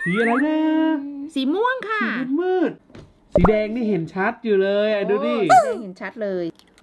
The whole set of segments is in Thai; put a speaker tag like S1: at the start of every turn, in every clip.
S1: สีอะไรนะ
S2: สีม่วงค่ะ
S1: สีมืดสีแดงนี่เห็นชัดอยู่เลยดูดิ
S2: เห็นชัดเลย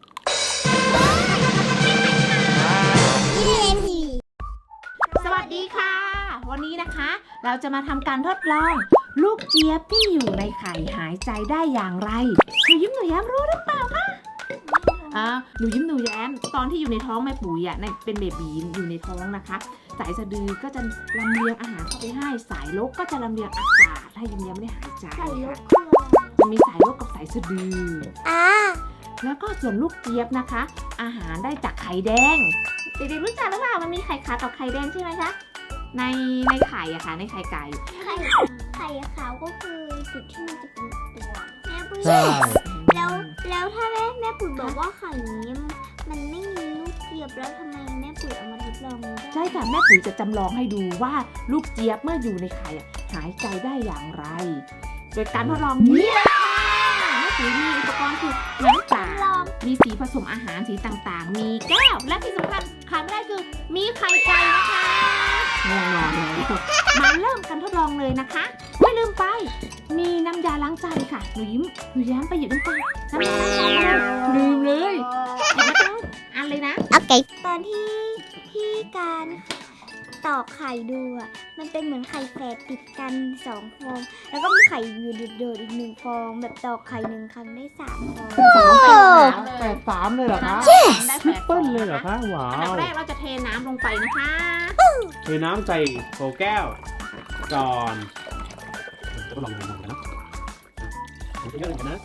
S2: สวัสดีค่ะ วันนี้นะคะ เราจะมาทำการทดลอง ลูกเจี๊ยบที่อยู่ในไข่หายใจได้อย่างไรหนูยิ้มหนูแย้มรู้หรือเปล่าคะหนูยิ้มหนูแย้มตอนที่อยู่ในท้องแม่ปุ๋ยอ่ะเป็นเบบีอยู่ในท้องนะคะสายสะดือก็จะลำเลียงอาหารเข้าไปให้สายลกก็จะลำเลียงอากาศให้ยิ้มแย้มได้หายใจค่ะจะมีสายลกกับสายสะดือแล้วก็ส่วนลูกเจี๊ยบนะคะ อาหารได้จากไข่แดงเด็กๆรู้จักหรือเปล่ามันมีไข่ขาวกับไข่แดงใช่ไหมคะในไข่อะค่ะในไข่ไก่
S3: ไข่ขาวก็คือจุดที่มันจะเป็นตัวแม่ปุ๋ย
S1: ใช่
S3: แล้วถ้าแม่ปุ๋ยบอกว่าไข่นี้มันไม่มีลูกเจี๊ยบแล้วทำไมแม่ปุ๋ยเอามาทดลองได้
S2: ใช่ค่ะแม่ปุ๋ยจะจำลองให้ดูว่าลูกเจี๊ยบเมื่ออยู่ในไข่หายใจได้อย่างไรโดยการทดลองนี้เลยค่ะแม่ปุ๋ยมีอุปกรณ์คือน้ำตามีสีผสมอาหารสีต่างๆมีแก้วและที่สำคัญขาดไม่ได้คือมีไข่ไก่นะคะง่วงนอนแล้วมาเริ่มกันทดลองเลยนะคะไม่ลืมไปมีน้ำยาล้างจานค่ะหนูยิ้มหนูแย้มไปหยิบน้ำตาน้ำยาล้างจานเลยลืมเลยหยิบมาทั้งอันเลยนะ
S3: โอเคตอนที่การตอกไข่ดูอ่ะมันเป็นเหมือนไข่แฝดติดกัน2 ฟองแล้วก็มีไข่อยู่โดดๆอีก1 ฟองแบบตอกไข่1 ครั้งได้3 ฟอง
S1: 8-3เลยเหรอคะ
S2: ได้
S1: ทริปเปิลเลยเหรอคะว้า
S2: อันดับ
S1: ว
S2: แรกเราจะเทน้ำลงไปนะคะ
S1: เทน้ำใส่โถแก้วก่อนจะลองดูกันนะเยอะๆกันนะ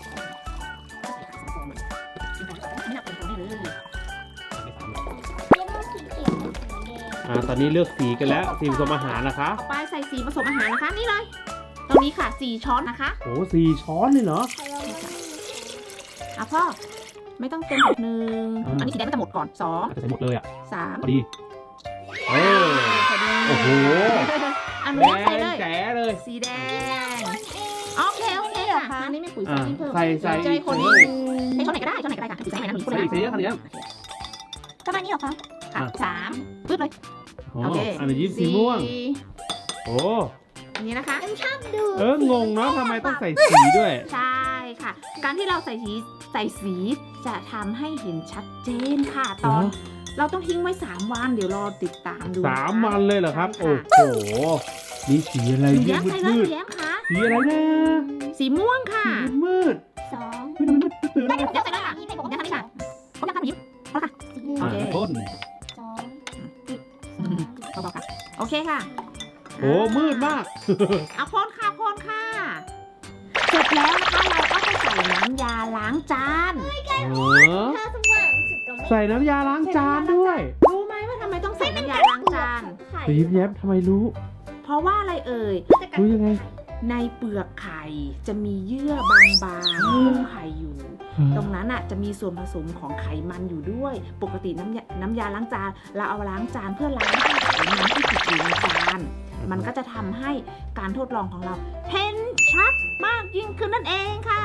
S1: ตอนนี้เลือกสีกันแล้วสีผสมอาหารนะคะ
S2: ต่อไปใส่สีผสมอาหารนะคะนี่เลยตรงนี้ค่ะ4 ช้อนนะคะ
S1: โอ้4 ช้อนเลยเหรอ
S2: พ่อไม่ต้องเต็ม1อันนี้สีแดงก็จะหมดก่อน2
S1: จะใส่หมดเลยอ่ะ
S2: 3
S1: พอดีโอ้โห
S2: อันนี้ใส่เลย
S1: แจ๋เลย
S2: สีแดงโอเคค่ะอันนี้ไม่ปุ๋ยใส่เพิ่ม
S1: ใส่
S2: คนนี้ให้ช้อนไหนก็ได้ค่ะสีไหนนะหนูพูดเลย
S1: สีเยอะขนาดนี้
S3: ประมาณนี้เหรอคะ
S2: 3ปึ๊บเลย
S1: โอเคอันนี้สีม่วงโอ้
S2: อันนี้นะคะ
S3: ชอบดู
S1: งงเนาะทำไมต้องใส่สีด้วย
S2: ใช่ค่ะการที่เราใส่สีจะทำให้เห็นชัดเจนค่ะตอนเราต้องทิ้งไว้3 วันเดี๋ยวรอติดตามดู
S1: 3 วันเลยเหรอครับโอ้โหนี่สีอะไร
S2: แย้มใครเลยแย้มคะ
S1: สีอะไรนะ
S2: สีม่วงค่ะ
S1: มืด
S3: 2
S1: ไม่มืดตื่นแล้ว
S2: แย้มใส่เลยค่ะแย้มทำนี่ค่ะผมอยากทำยิ้มพอค่ะโอเค
S1: ต้น
S2: เบาๆค่ะโอเคค่ะ
S1: โอ้มืดมาก
S2: เอาพ่นค่ะเสร็จแล้วนะคะเราก็จะใส่น้ำยาล้างจาน
S1: ใส่น้ำยาล้างจานด้วย
S2: รู้ไหมว่าทำไมต้องใส่น้ำยาล้างจาน
S1: ยิ้มแย้มทำไมรู้
S2: เพราะว่าอะไรเอ่ย
S1: รู้ยังไง
S2: ในเปลือกไข่จะมีเยื่อบางๆหุ้มไข่อยู่ตรงนั้นจะมีส่วนผสมของไขมันอยู่ด้วยปกติน้ำยาล้างจานเราเอาล้างจานเพื่อล้างไขมันที่ติดอยู่ในจานมันก็จะทำให้การทดลองของเราเห็นชัดมากยิ่งขึ้นนั่นเองค่ะ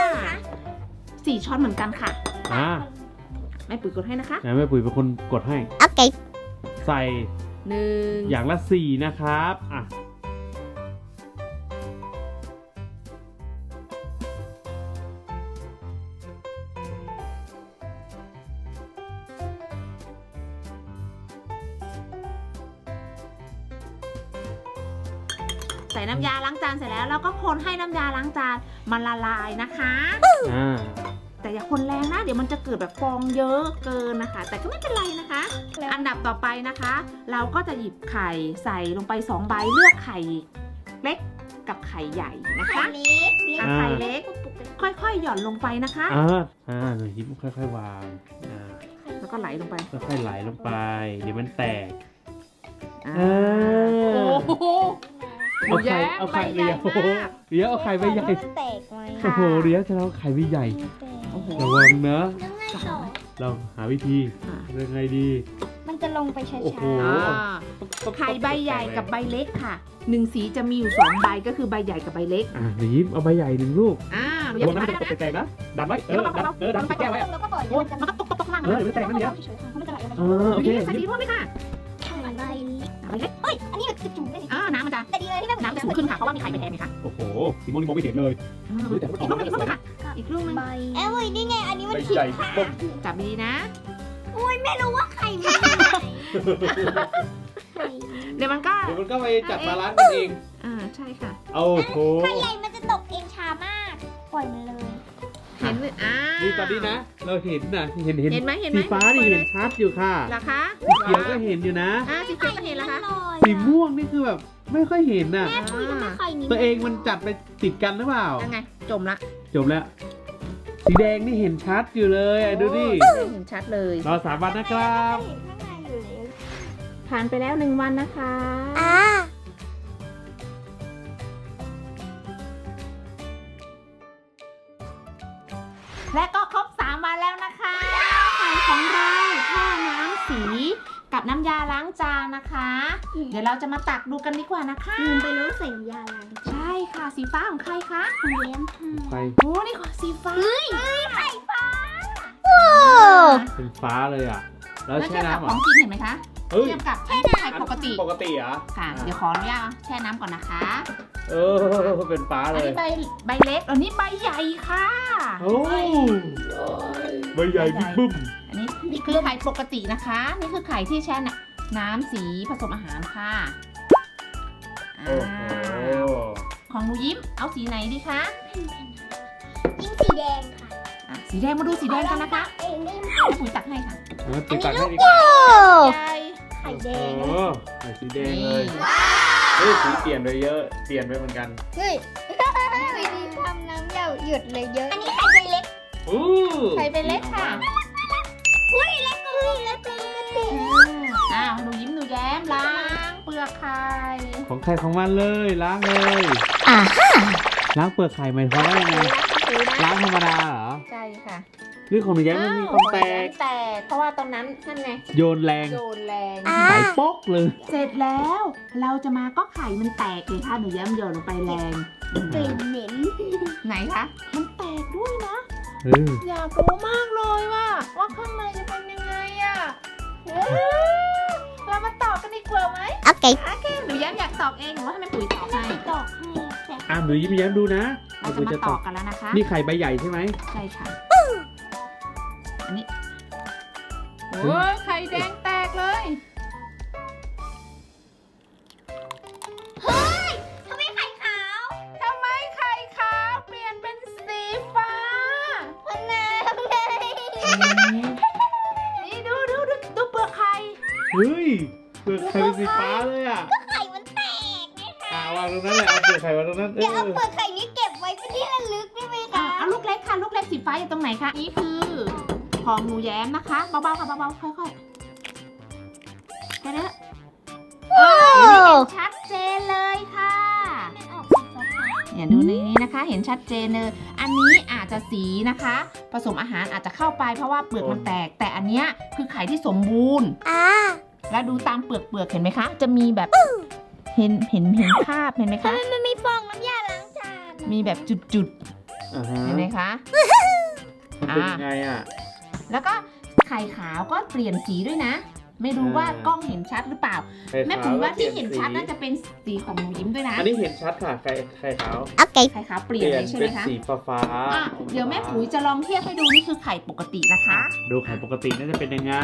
S2: 4 ช้อนเหมือนกันค่ะแม่ปุ๋ยกดให้นะคะ
S1: แม่ปุ๋ยเป็นคนกดให้
S3: โอเค
S1: ใส่1อย่างละ4นะครับ
S2: ใส่น้ำยาล้างจานเสร็จแล้วเราก็คนให้น้ำยาล้างจานมันละลายนะคะแต่อย่าคนแรงนะเดี๋ยวมันจะเกิดแบบฟองเยอะเกินนะคะแต่ก็ไม่เป็นไรนะคะอันดับต่อไปนะคะเราก็จะหยิบไข่ใส่ลงไป2 ใบเลือกไข่เล็กกับไข่ใหญ่นะคะไข่เล็กค่อยๆหย่อนลงไปนะคะ
S1: หนูยิ้มค่อยๆวาง
S2: แล้วก็ไหลลงไป
S1: ค่อยๆไหลลงไปเดี๋ยวมันแตกเอาไข่ใหญ่เดี๋ยวเอาไข่ใบใหญ่โอ้โหเดี๋ยวจะเอาไข่ใบใหญ่ระวังนะเราหาวิธียังไงดี
S3: มันจะลงไปช้า
S2: ๆไข่ใบใหญ่กับใบเล็กค่ะ1 สีจะมีอยู่2 ใบก็คือใบใหญ่กับใบเล็ก
S1: ยิ้มเอาใบใหญ่1 ลูก
S2: อย่า
S1: มันจะแตกนะดันไว้ดันไปแก้ไว้
S2: แล้วก็ปล่อยมันก็ตกข้างล่าง
S1: มันแตกนั่นเดียว
S2: โอเคสีม่วงเลยค่ะ
S3: ใบเล็กเฮ้ยอันนี้แบบกระจุกเลย
S2: น้ำมันจะ
S3: แต่ดีเลยที่ได้
S2: น้ำจะสูงขึ้นค่ะ เพราะว่ามีไข่ไปแทนไงคะ
S1: โอ้โหสีม่วงนี่มองไม่เห็นเลยแต่มันออกมาสวย
S2: อีกลูกนึง
S3: ใบเว้ยนี่ไงอันนี้มัน
S1: ใบ
S3: ขีด
S1: ใหญ่ปุ๊บ
S2: จับดีนะ
S3: ไม่รู้ว่าไข่มันไข่
S2: เดี๋ยวมันก็
S1: เดี๋ยวมันก็ไปจัดบาลานซ์กันเอง
S2: ใช่ค่ะ
S1: โอ้โห
S3: ไข่ใหญ่มันจะตกเองช้ามากปล่อยมันเลย
S2: เห็นไหม
S1: นี่ตอนนี้นะ เราเห็นนะเห็น
S2: เห็นไหมเห็นไหม
S1: สีฟ้านี่เห็นชัดอยู่ค่ะ
S2: เหรอคะ
S1: สีเขียวก็เห็นอยู่นะ
S2: สีเขียวก็เห็นแล้วคะ
S1: สีม่วงนี่คือแบบไม่ค่อยเห็นน่ะ
S3: แม่ปุ๋ยทำไมไข่นี้
S1: ตัวเองมันจัดไปติดกันหรือเปล่า
S2: ยังไงจมละ
S1: จบแล้ว สีแดงนี่เห็นชัดอยู่เลยดูดิ
S2: เห็นชัดเลย
S1: รอ3 วันนะครับ
S3: เห็นข้างในอยู่แล้ว
S2: ผ่านไปแล้ว1 วันนะคะ และก็ครบ3 วันแล้วนะคะไข่ของเราแช่น้ำสีกับน้ำยาล้างจานนะคะ เดี๋ยวเราจะมาตักดูกันดีกว่านะคะ
S3: ลืมไปแล้วใส่น้ำยาล้าง
S2: ใช่ค่ะสีฟ้าของใครคะ
S3: ของเลี้ยงค่ะ
S1: ไป
S2: โอ้นี่ของสีฟ้า
S3: ไข่ฟ้า
S1: เป็นฟ้าเลยอ่ะ แล้ว
S2: แล้ว
S1: แช่
S2: เทียบกับ
S1: น้ำเหร
S2: ข
S1: อ
S2: องกินเห็นไหมคะ
S1: เฮ้ย
S2: เทียบกับไข่ปกติ
S1: ปกติเหรอ
S2: ค่ะ เดี๋ยวขออนุญาตแช่น้ำก่อนนะคะ
S1: เป็นฟ้า
S2: อัน
S1: เลย
S2: นี้ใบเล็กอันนี้ใบใหญ่ค่ะ
S1: โอ้ใบใหญ่บิ๊กบึ้ม
S2: อันนี้คือไข่ปกตินะคะ นี่คือไข่ที่แช่น้ำสีผสมอาหารค่ะ
S1: โอ้โห
S2: ของหนูยิ้มเอาสีไหนดีคะ
S3: ยิ่งสีแดงค่ะ
S2: สีแดงมาดูสีแดงกันนะคะ
S3: เองได้ไหม
S2: ให้ปุ๋ยตักให้ค่ะ
S1: ติดตักให้ดีกว่า
S2: ใหญ่
S3: ไข่แดง
S1: โอ้ใส่สีแดงเลยเฮ้ยสีเปลี่ยนไปเยอะ เปลี่ยนไปเหมือนกัน
S3: เฮ้ยวิธีทำน้ำหยุดเลยเยอะ อันนี้ไข่ใบเล็ก
S1: อู้
S2: ไข่เป็นเล็กค่ะ
S3: อุ้ยเล็กเลยเล็กปกติ
S2: หนูยิ้มหนูแย้มล้างเปลือกไข่
S1: ของใครของมันเลยล้างเลย ล้างเปลือกไข่หมายความว่ายังไง ล้างธรรมดาเหรอ
S2: ใช่ค่ะ
S1: นี่ของหนูแย้มมันมีความแตก
S2: แตกเพราะว่าตรงนั้นนั่นไง
S1: โยนแรง
S2: โยนแรง
S1: สายป๊อกเลย
S2: เสร็จแล้วเราจะมาก็ไข่มันแตกเลยค่ะหนูแย้มโยนลงไปแรง
S3: กลิ่นเหม็น
S2: ไหนคะมันแตกด้วยนะ
S1: เออ
S2: อยากรู้มากเลยว่าข้างในจะเป็นยังไงอะเรามาตอบกันดีกว่าไหม
S3: โอเค
S2: โอเคหนูแย้มอยากตอบเองหรือว่าให้แม่ปุ๋ยตอบให้
S3: ตอกให้แต่
S1: อ่ะหนูยิ้มแย้มดูนะ
S2: เราจะมาตอบกันแล้วนะคะ
S1: นี่ไข่ใบใหญ่ใช่ไหม
S2: ใช่ค่ะอันนี้โอ้ยไข่แดงแตกเลย
S3: ทำไมไข่ขาว
S2: ทำไมไข่ขาวเปลี่ยนเป็นสีฟ้า
S3: มันน้ำไง
S2: นี่ดูเปลือกไข่
S1: เฮ้ยเปลือกไข่เป็นสีฟ้าเลยอ่ะ
S3: ไข่มันแตกไงคะ
S1: วางตรงนั้นเลยเอาเปลือกไข่วางตรงนั้น
S3: เดี๋ยวเอาเปลือกไข่นี้เก็บไว้เป็นที่ระลึกได้ไหมคะ
S2: เอาลูกเล็กค่ะ ลูกเล็กสีฟ้าอยู่ตรงไหนคะ นี่คือของหนูแย้มนะคะ เบาๆค่ะเบาๆค่อยๆแค่นี้เห็นชัดเจนเลยค่ะ
S3: มันออกสีฟ้า
S2: เนี่ยดูในนี้นะคะ เห็นชัดเจนเลย อันนี้อาจจะสีนะคะ ผสมอาหารอาจจะเข้าไปเพราะว่าเปลือกมันแตก แต่อันเนี้ยคือไข่ที่สมบูรณ์ แล้วดูตามเปลือกเห็นไหมคะ จะมีแบบเห็นคราบเห็นไหมคะ
S3: มันมีฟองน้ำยาล้างจาน
S2: มีแบบจุดๆเห็นไหมคะ
S1: มันเป็นยังไงอ่ะ
S2: แล้วก็ไข่ขาวก็เปลี่ยนสีด้วยนะ ไม่รู้ว่ากล้องเห็นชัดหรือเปล่า แม่ปุ๋ยว่าที่เห็นชัดน่าจะเป็นสีของหนูยิ้มด้วยนะ
S1: อันนี้เห็นชัดค่ะไข่ขาว
S3: โอเค
S2: ไข่ขาวเปลี่ยนเลยใช่ไหม
S1: เป็น
S2: คะ
S1: สีฟ้า
S2: อ่ะเดี๋ยวแม่ปุ๋ยจะลองเทียบให้ดูนี่คือไข่ปกตินะคะ
S1: ดูไข่ปกติน่าจะเป็นยังไง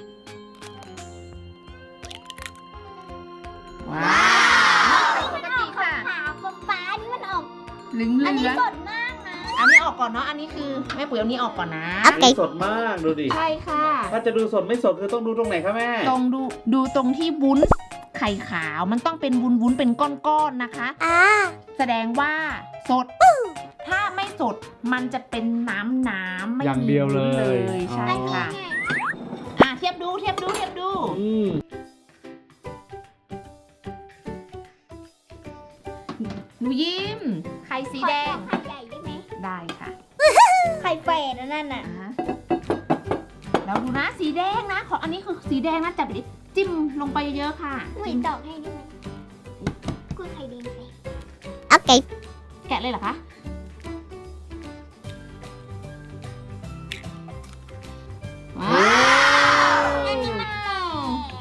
S2: ว้าวปกติค่ะ
S3: ขาวฟ้านี่มันออก
S2: เหลือง
S3: อันนี้
S2: ๆ
S3: สดมากนะ
S2: อันนี้ออกก่อนเนาะ อันนี้คือแม่ปุ๋ยเอานี้ออกก่อนนะ
S3: โอเค
S1: สดมากดูดิ
S2: ใช่ค่ะ
S1: ถ้าจะดูสดไม่สดคือต้องดูตรงไหนคะแม่
S2: ตรงดูตรงที่วุ้นไข่ขาวมันต้องเป็นวุ้นเป็นก้อนๆนะคะ แสดงว่าสด ถ้าไม่สดมันจะเป็นน้ำไม่
S1: อย่าง
S2: มี
S1: เดียว
S2: วุ้น
S1: เล
S2: เลย ยใช่
S1: อ๋อ
S2: ค่ะ เทียบดู
S1: อืม
S2: หนูยิ้ม ไข่สีแดง
S3: ไข่ใหญ่ได้ไหม
S2: ได้ค่ะ
S3: ไข่แฝดนั่นน่ะ
S2: แล้วดูนะสีแดงนะของอันนี้คือสีแดงนะจับดิจิ้มลงไปเยอะๆค่ะ
S3: อุ้ยตอกให้ได้ไหมกูไข่แดงไป
S2: โอเค แกะเลยเหรอคะ ว้าว
S3: อันนี้มันแตก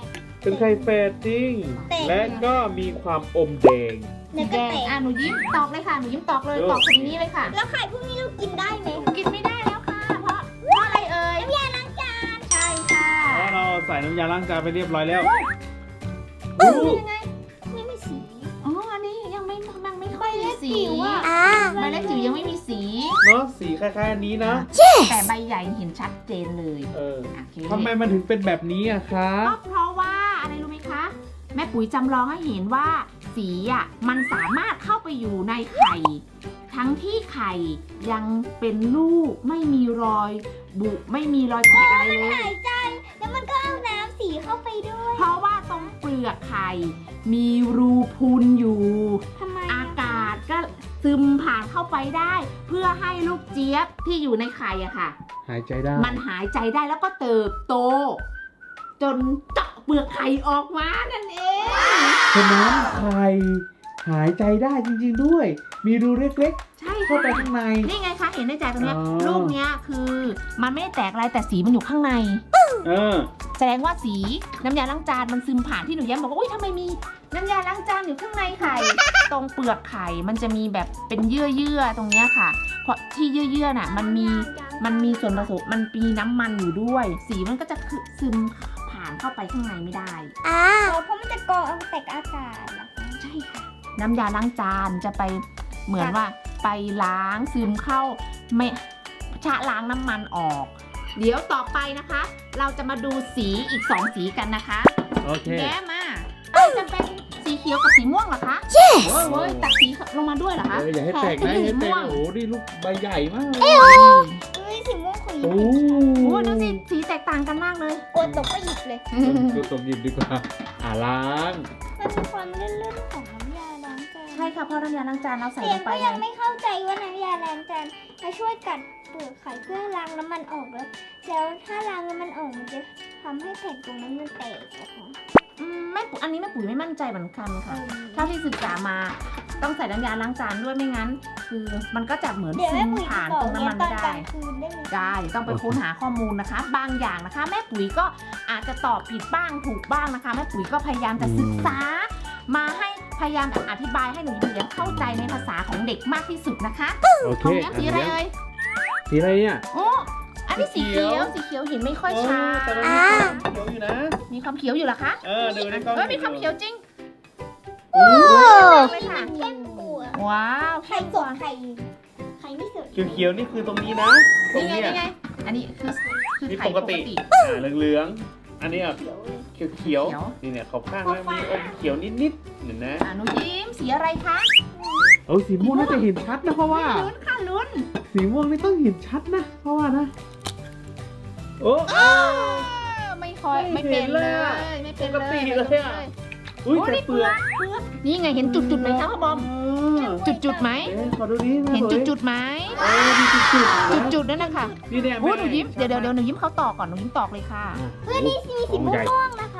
S1: เป็นไข่แฝดจริง
S3: แตก
S1: และก็มีความอมแดง
S3: แล้ว
S2: แด
S3: ก็
S2: ง
S3: แตก
S2: หนูยิ้มตอกเลยค่ะหนูยิ้มตอกเลยตอกตรงนี้เลยค่ะ
S3: แล้วไข่พวกนี้เรากินได้ไหม
S2: กินไม่ได้แล้วค่ะ เพราะอะไรเอ่ย
S3: น้ำยาล้างจาน
S2: ใช่ค่ะ
S1: แล้วเราใส่น้ำยาล้างจานไปเรียบร้อยแล้ว
S2: ยังไง
S3: ไม่มีสี
S2: อ๋ออันนี้ยังไม่ค่อยมีสี
S3: จิ๋วอ่ะ
S2: ใบเล็กจิ๋วยังไม่มีสี
S1: เนาะสีคล้ายๆอันนี้นะ
S2: แต่ใบใหญ่เห็นชัดเจนเลย
S1: เออ
S2: โอเค
S1: ทำไมมันถึงเป็นแบบนี้อะคะ
S2: ก็เพราะว่าอะไรรู้ไหมคะ แม่ปุ๋ยจำลองให้เห็นว่าสีอ่ะมันสามารถเข้าไปอยู่ในไข่ ทั้งที่ไข่ยังเป็นลูกไม่มีรอยบุไม่มีรอยแตกอะไรเลย
S3: หายใจ แล้วมันก็เอาน้ำสีเข้าไปด้วย
S2: เพราะว่าตรงเปลือกไข่มีรูพุนอยู่
S3: ทำไม
S2: อากาศก็ซึมผ่านเข้าไปได้ เพื่อให้ลูกเจี๊ยบที่อยู่ในไข่อะค่ะ
S1: หายใจได้
S2: มันหายใจได้แล้วก็เติบโต จนเจาะเปลือกไข่ออกมานั่นเอง
S1: ฉะนั้นไข่หายใจได้จริงๆด้วย มีรูเล็ก
S2: ใช่
S1: ๆ เข้า
S2: ค่ะ
S1: ไปข้างใน
S2: นี่ไงคะเห็นในใจตรงเนี้ย
S1: อ๋อ
S2: ลูกเนี้ยคือมันไม่ได้แตกอะไรแต่สีมันอยู่ข้างใน
S1: เออ
S2: แสดงว่าสีน้ำยาล้างจานมันซึมผ่านที่หนูแย้มบอกว่าอุ้ยทำไมมีน้ำยาล้างจานอยู่ข้างในไข่ ตรงเปลือกไข่มันจะมีแบบเป็นเยื่อตรงเนี้ยค่ะ เพราะที่เยื่อน่ะมันมีส่วนผสมมันมีน้ำมันอยู่ด้วย สีมันก็จะซึมผ่านเข้าไปข้างในไม่ได้
S3: เพราะมันจะกรองเอาแต่อากาศเหรอคะ
S2: ใช่ค่ะ น้ำยาล้างจานจะไปเหมือนว่าไปล้างซึมเข้าไม่ชะล้างน้ำมันออก เดี๋ยวต่อไปนะคะ เราจะมาดูสีอีก2สีกันนะคะ
S1: โอเค
S2: แย้มาจะเป็นสีเขียวกับสีม่วงเหรอคะโอ้ยตัดสีลงมาด้วยเหรอคะ
S1: อย่าให้แตกนะอย่าให้แตก
S2: ม่วง
S1: โอ้โหนี่ลูกใบใหญ่มากเลย
S3: เฮ้ยสีม่วงของ
S1: โอ้
S3: ยิ้ม
S2: โอ้ยดูสิสีแตกต่างกันมากเลย
S3: กลัวตกก็หยิบเลย
S1: ดูตบหยิบดีกว่าล้าง
S3: มันมีความลื่นๆของน้ำยาล้างจาน
S2: ใช่ค่ะเพราะน้ำยาล้างจานเราใส่
S3: เสี
S2: ล
S3: ยง
S2: งไป
S3: ก็
S2: ไง
S3: ยังไม่เข้าใจว่าน้ำยาล้างจานมาช่วยกัดเปลือกไข่เพื่อล้างน้ำมันออกแล้วถ้าล้างน้ำมันออกมันจะทำให้แผ่นตรงนั้นมันแตกเหรอคะ
S2: แม่ปุ๋ยอันนี้แม่ปุ๋ยไม่มั่นใจเหมือนกันค่ะ เท่าที่ศึกษามาต้องใส่น้ำยาล้างจานด้วยไม่งั้น คือมันก็จะเหมือน
S3: เดี๋ยว
S2: ซึ
S3: แม่
S2: ม
S3: ปุ๋ย
S2: ผ่าน
S3: บอ
S2: ต
S3: ก
S2: รง
S3: เนี่ย
S2: น้ำมัน
S3: ตอ
S2: ไม่
S3: นก
S2: ได้
S3: ลางคืนได้ไหม
S2: ได้ต้องไปค้นหาข้อมูลนะคะ บางอย่างนะคะ แม่ปุ๋ยก็อาจจะตอบผิดบ้างถูกบ้างนะคะ แม่ปุ๋ยก็พยายามจะศึกษา มาให้พยายามอธิบายให้หนูยิ้มเข้าใจในภาษาของเด็กมากที่สุดนะคะ
S1: โอเค
S2: ของแย้มสีอะไรเอ่ย
S1: สีอะไรเนี่ย
S2: โอ้อันนี้สีเขียวสีเขียวเห็นไม่ค่อยชัด
S1: แต่มันมีความเขียวอยู่นะ
S2: มีความเขียวอยู่เหรอคะ
S1: ดูในกล้อง
S2: มีความเขียวจริง
S1: โอ้
S2: เลยค่ะ
S3: เข้มกว่า
S2: ว้าว
S3: ไข่สดไข่ไม่สด
S1: เขียวๆนี่คือตรงนี้นะ ตรง
S2: นี่ไง
S1: เนี้ย
S2: นี่ไงอันนี้คือ
S1: นี่
S2: ไข่
S1: ปกติเหลืองๆอันนี้อ่ะ
S3: เขียวเลย
S1: เขียวๆนี่เนี่ยขอบข้างแล้วมีอมเขียวนิดๆเห็นนะ
S2: หนูยิ้มสีอะไรคะ
S1: โอ้สีม่วงน่าจะเห็นชัดนะเพราะว่า
S2: ลุ้นค่ะลุ้น
S1: สีม่วงนี่ต้องเห็นชัดนะ เพราะว่านะ โอ้
S2: ไม่ค่อยไม่เป็นเลยไม่เป็น
S1: ปกติเลยอะ อุ้ย
S2: โอ้
S1: แต่
S2: นี่
S1: เปลือก
S2: นี่ไงเห็นจุดๆไหมคะพ่อบอม จุดๆไหม
S1: ขอดูดิ
S2: เห็นจุดๆไหม
S1: มีจุดๆ
S2: จุดๆนั่นนะคะ
S1: นี่เนี่ย
S2: โอ้หนูยิ้มเดี๋ยวหนูยิ้มเขาตอกก่อนหนูยิ้มตอกเลยค่ะ
S3: เพื่อนนี่มีสีม่วงนะคะ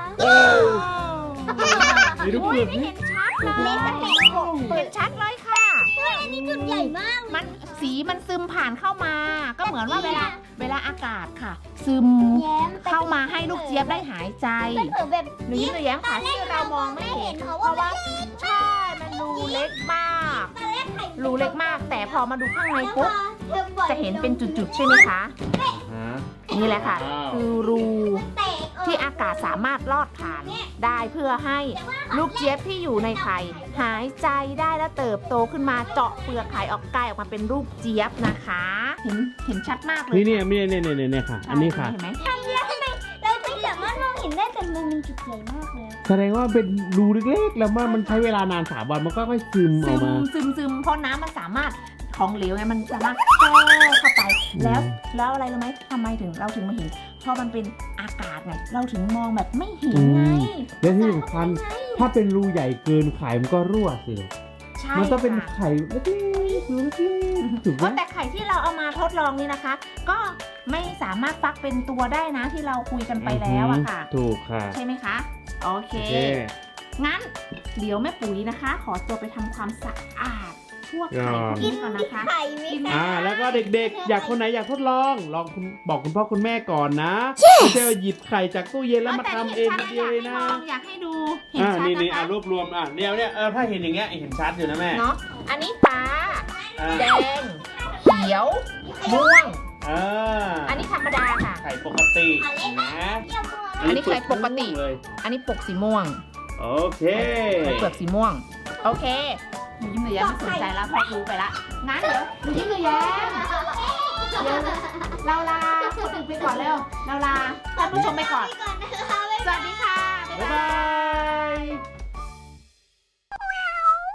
S1: มีลูก
S2: โอ้
S1: เป
S2: ย
S1: ลือก
S2: ไม่
S1: นี่
S2: เห็นชัดเล
S3: เล็ก
S2: ย
S3: แต่แข็งกว่า
S2: เปิดชัดเลยค่ะ
S3: อันนี้จุดใหญ่มาก
S2: มันสีมันซึมผ่านเข้ามา ก็เหมือนว่าเวลาอากาศค่ะ ซึม
S3: แย้ม
S2: เข้ามาให้ลูกเจี๊ยบได้หายใจ
S3: มันเผลอแบบ
S2: หนูยิ้มหนูแย้มค่ะที่เรามองไม่เห็น
S3: เพราะ
S2: เพ
S3: ว่า
S2: ราะว่าใช่มันรูเล็กมาก
S3: ตอนแรกไข่
S2: รูเล็กมาก แต่พอมาดูข้างใน
S3: แล้วพ
S2: ปุ๊
S3: อบ เธอปล่อย
S2: จะเห็นเป็นจุดๆใช่ไหมคะ
S1: ฮะ
S2: นี่แหละค่ะ
S1: ว้าว
S2: คือรู
S3: แตก
S2: ที่อากาศสามารถลอดผ่านได้เพื่อให้ลูกเจี๊ยบที่อยู่ในไข่หายใจได้และเติบโตขึ้นมาเจาะเปลือกไข่ออกกลายออกมาเป็นรูปเจี๊ยบนะคะ เห็นชัดมากเลย
S1: นี่เนี่ยค่ะ อันนี้ค่ะ
S2: เห็นไหม
S3: เราไม่สามารถมองเห็นได้แต่มันมีจุดใหญ่มากเลย
S1: แสดงว่าเป็นรูเล็กๆ แล้วมันใช้เวลานาน3 วันมันก็ค่อยซึมออกมา
S2: ซึมเพราะน้ำมันสามารถของเหลวไงมันสามารถแทรกเข้าไปแล้วอะไรรู้ไหมทำไมเราถึงมาเห็นเพราะมันเป็นอากาศไงเราถึงมองแบบไม่เห็นไง
S1: และที่สำคัญถ้าเป็นรูใหญ่เกินไข่มันก็รั่วสิ
S2: ใช่
S1: มันต้องเป็น
S2: ค่ะ
S1: ไข่เล็กๆรูเล็กๆถูกไหม
S2: แต่ไข่ที่เราเอามาทดลองนี่นะคะ ก็ไม่สามารถฟักเป็นตัวได้นะที่เราคุยกันไปแล้วอะค่ะ
S1: ถูกค่ะ
S2: ใช่ไหมคะ โอเค
S1: โอเค
S2: งั้นเดี๋ยวแม่ปุ๋ยนะคะ ขอตัวไปทำความสะอาดพวกไข่พวกนี้ก่อนนะคะ
S3: ไข่ไหมคะ
S1: แล้วก็เด็กๆ อยากคนไหนอยากทดลองบอกคุณพ่อคุณแม่ก่อนนะไม่ใช่ว่าหยิบไข่จากตู้เย็นแล้วมาทำเองคนเดียวเลยนะ
S2: อยากให้ดูเห็นชัด
S1: นี่
S2: นะคะ
S1: รวบรวมเนี่ยถ้าเห็นอย่างเงี้ยเห็นชัดอยู่นะแม่
S2: เนาะอันนี้ฟ้าแดงเขียวม่วงอันนี้ธรรมดาค่ะ
S1: ไข่ปกตินะ
S2: อันนี้ไข่ปกติ
S1: เลย
S2: อันนี้ปกสีม่วง
S1: โอเค
S2: ไข่เปลือกสีม่วงโอเคหนูยิ้มหนูแย้มไม่สนใจแล้วพอรู้ไปละงั้นเดี๋ยวหนูยิ้มหนูแย้มเราลาคนอื่นไปก่อนเร็วเราลาท่านผู้ชมไปก่อน สวัสดีค่ะ บ๊าย
S1: บ๊าย
S2: บา
S1: บาย ย